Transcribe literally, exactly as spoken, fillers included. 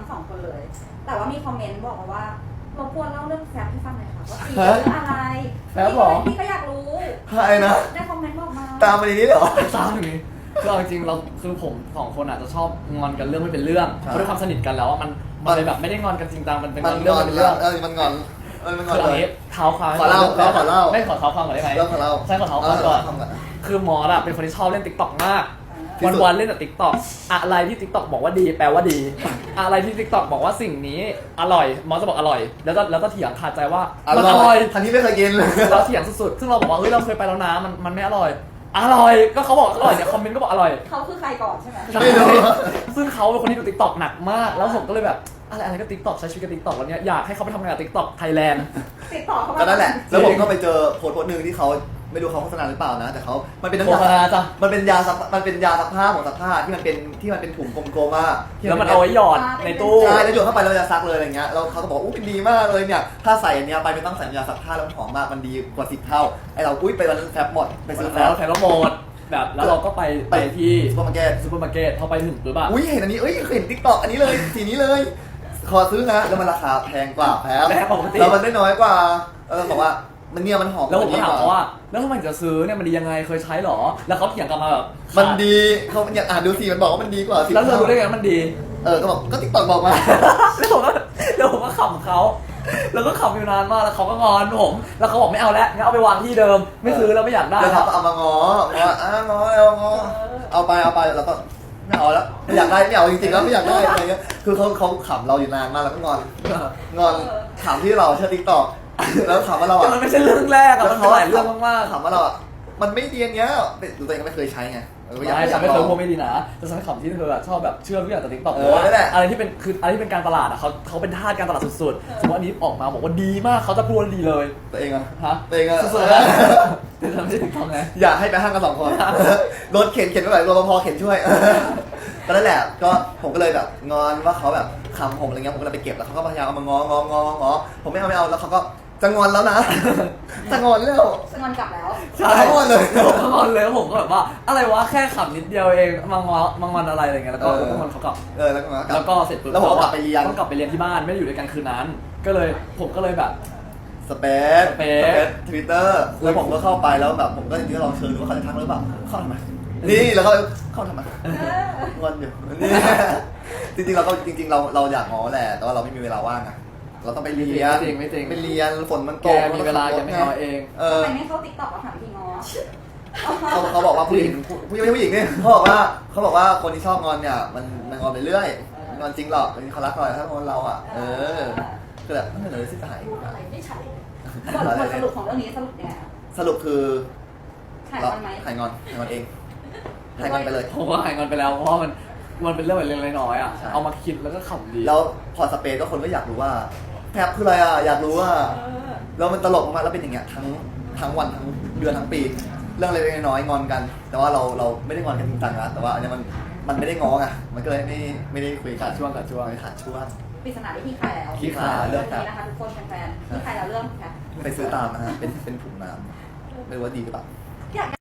งสองคนเลยแต่ว่ามีคอมเมนต์บอกมาว่ารบกวนเล่าเรื่องแฟบให้ฟังหน่อยค่ะว่าตีเรื่องอะไรแฟบหรอพี่ก็อยากรู้ใครนะได้คอมเมนต์บอกมาตามมาในนี้เหรอตามอย่างนี้คือเอาจริงเราคือผมสองคนอาจจะชอบงอนกันเรื่องไม่เป็นเรื่องเพราะด้วยความสนิทกันแล้วมันมันเลยแบบไม่ได้งอนกันจริงจังมันเป็นเรื่องเป็นเรื่องเออมันงอนเออมันงอนเลยเท้าความขอเล่าขอเล่าไม่ขอเท้าความก่อนได้ไหมเล่าขอเล่าใช่ขอเท้าความก่อนคือมอสอะเป็นคนที่ชอบเล่นติ๊กต็อกมากวันวันเล่นแต่ติ๊กต็อกอะไรที่ติ๊กต็อกบอกว่าดีแปลว่าดีอะไรที่ติ๊กต็อกบอกว่าสิ่งนี้อร่อยมอสจะบอกอร่อยแล้วก็แล้วก็เถียงขาดใจว่ามันอร่อยทันที่ไม่เคยกินเลยเราเถียงสุดๆซึ่งเราบอกว่าเฮ้ยเราเคยไปแล้วนะมันมันไม่อร่อยอร่อยก็เขาบอกอร่อยเนี่ยคอมเมนต์ก็บอกอร่อยเขาคือใครก่อนใช่ไหมไม่รู้ซึ่งเขาเป็นคนที่ดูติ๊กต็อกหนักมากแล้วผมก็เลยแบบอะไรอะไรก็ติ๊กต็อกใช้ชีวิตกับติ๊กต็อกแล้วเนี้ยอยากให้เขาไปทำงานกับติ๊กต็อกไทยแลนด์ติ๊กต็อกเขาก็นั่นแหละแล้วผมก็ไปเจอโพสต์โพสต์หนึ่งที่เขาไม่รู้เขาโฆษณาหรือเปล่านะแต่เขามันเป็นน้ำยามันเป็นยาซักมันเป็นยาซักผ้าของซักผ้าที่มันเป็นที่มันเป็นถุงกลมๆอ่ะแล้วมันเอาไว้หยอดในตู้ใช่แล้วหยอดเข้าไปแล้วจะซักเลยอะไรเงี้ยแล้วเขาก็บอกอู้เป็นดีมากเลยเนี่ยถ้าใส่อันเนี้ยไปไม่ต้องใส่ยาซักผ้าแล้วหอมมากมันดีกว่าสิบเท่าไอเราอุ้ยไปวันนั้นแฟบหมดไปซื้อแล้วแฟบหมดแบบแล้วเราก็ไปไปที่ซูเปอร์มาร์เก็ตซูเปอร์มาร์เก็ตพอไปถึงปุ๊บอะอุ้ยเห็นอันนี้เอ้ยเห็นติ๊กต็อกอันนี้เลยสีนี้เลยขอซื้อนะแล้วมันราคาแพงกว่าแพงแล้วมันได้น้อยกว่าเราบอกว่ามันเนี่ยมันหอมแล้วผมก็ถามเขาว่าแล้วทำไมจะซื้อเนี่ยมันดียังไงเคยใช้หรอแล้วเขาเถียงกลับมาแบบมันดีเขาอยากอ่านดูสิมันบอกว่ามันดีกว่าแล้วเรารู้ได้ไงมันดีเออก็บอกก็ติ๊กต็อกบอกมาแล้วผมก็แล้วผมก็ขำเขาแล้วก็ขำอยู่นานมากแล้วเขาก็งอนผมแล้วเขาบอกไม่เอาแล้วงั้นเอาไปวางที่เดิมไม่ซื้อแล้วไม่อยากได้แล้วเขาก็เอามางองออ่ะงอแล้วงอเอาไปเอาไปแล้วก็ไม่เอาแล้วไม่อยากได้ไม่เอาจริงๆแล้วไม่อยากได้อะไรเงี้ยคือเขาเขาขำเราอยู่นานมากแล้วก็งอนงอนขำที่เราเชื่อติ๊กต็อกแล้วถามว่าเราอ่ะมันไม่ใช่เรื่องแรกอะมันหลายเรื่องมากๆถามว่าเราอ่ะมันไม่ดีอย่างเงี้ยตัวเองก็ไม่เคยใช้ไงไม่ฉันไม่เคยพูดไม่ดีนะแต่ฉันขำที่เธอชอบแบบเชื่อทุกอย่างแต่ติ๊กต็อกเพราะว่าอะไรที่เป็นคืออะไรที่เป็นการตลาดอ่ะเขาเขาเป็นทาสการตลาดสุดๆสมมติอันนี้ออกมาบอกว่าดีมากเขาจะพูดดีเลยตัวเองอ่ะฮะตัวเองอ่ะสุดๆแต่ฉันไม่ใช่ติ๊กต็อกไงอยากให้ไปห้างกันสองคนรถเข็นเข็นไม่ไหวรปภเข็นช่วยก็นั่นแหละก็ผมก็เลยแบบงอนว่าเขาแบบคำผมอะไรเงี้ยผมก็เลยไปเก็บแล้วเขาก็พยายามเอามางองององอผมไม่เอาไม่เอาแล้วเขาก็จะงอนแล้วนะจะงอนแล้วจะงอนกลับแล้วใช่งอนเลยงอนเลยแล้วผมก็แบบว่าอะไรวะแค่ขำนิดเดียวเองมังงอนมังงอนอะไรอะไรเงี้ยแล้วก็งอนเขากลับเออแล้วก็แล้วก็เสร็จปุ๊บแล้วผมก็กลับไปเรียนต้องกลับไปเรียนที่บ้านไม่ได้อยู่ด้วยกันคืนนั้นก็เลยผมก็เลยแบบสเปซสเปซทวิตเตอร์แล้วผมก็เข้าไปแล้วแบบผมก็จริงๆลองเชิญดูว่าเขาจะทักหรือเปล่าเข้าทำไมนี่แล้วเขาเข้าทำไมงอนอยู่นี่จริงๆเราก็จริงๆเราเราอยากง้อแหละแต่ว่าเราไม่มีเวลาว่างอะเราต้องไปเรียนไม่จริงไม่จริงไปเรียนฝนมันตกมีเวลายังไม่ง้อเองเออทำไมไม่เข้าติ๊กต็อกมาถามพี่ง้อเขาเขาบอกว่าผู้หญิงผู้หญิงผู้หญิงเนี่ยเขาบอกว่าเขาบอกว่าคนที่ชอบงอนเนี่ยมันมันงอนไปเรื่อยงอนจริงหรอกเขารักเราถ้างอนเราอ่ะเออคือแบบไม่เลยสิจะหายอะไรไม่ใช่บทสรุปของเรื่องนี้สรุปยังไงสรุปคือหายงอนไหมหายงอนหายงอนเองหายงอนไปเลยผมว่าหายงอนไปแล้วเพราะมันมันเป็นเรื่องแบบเล็กๆน้อยๆอ่ะเอามาคิดแล้วก็ขำดีแล้วพอสเปซก็คนก็อยากรู้ว่าแพบคืออะไรอ่ะอยากรู้ว่าแล้วมันตลกมากแล้วเป็นอย่างเงี้ยทั้งทั้งวันทั้งเดือนทั้งปีเรื่องเล็กๆน้อยๆงอนกันแต่ว่าเราเราไม่ได้งอนกันจริงจังนะแต่ว่าอันนี้มันมันไม่ได้ง้อไงมันก็เลยไม่ไม่ได้คุยขาดช่วงขาดช่วงขาดช่วงปริศนาที่พี่คายแล้วพี่คายเรื่องนี้นะคะทุกคนแฟนๆพี่คายแล้วเรื่องค่ะไปซื้อตามนะฮะเป็นเป็นถุงน้ำไม่รู้ว่าดีหรือเปล่า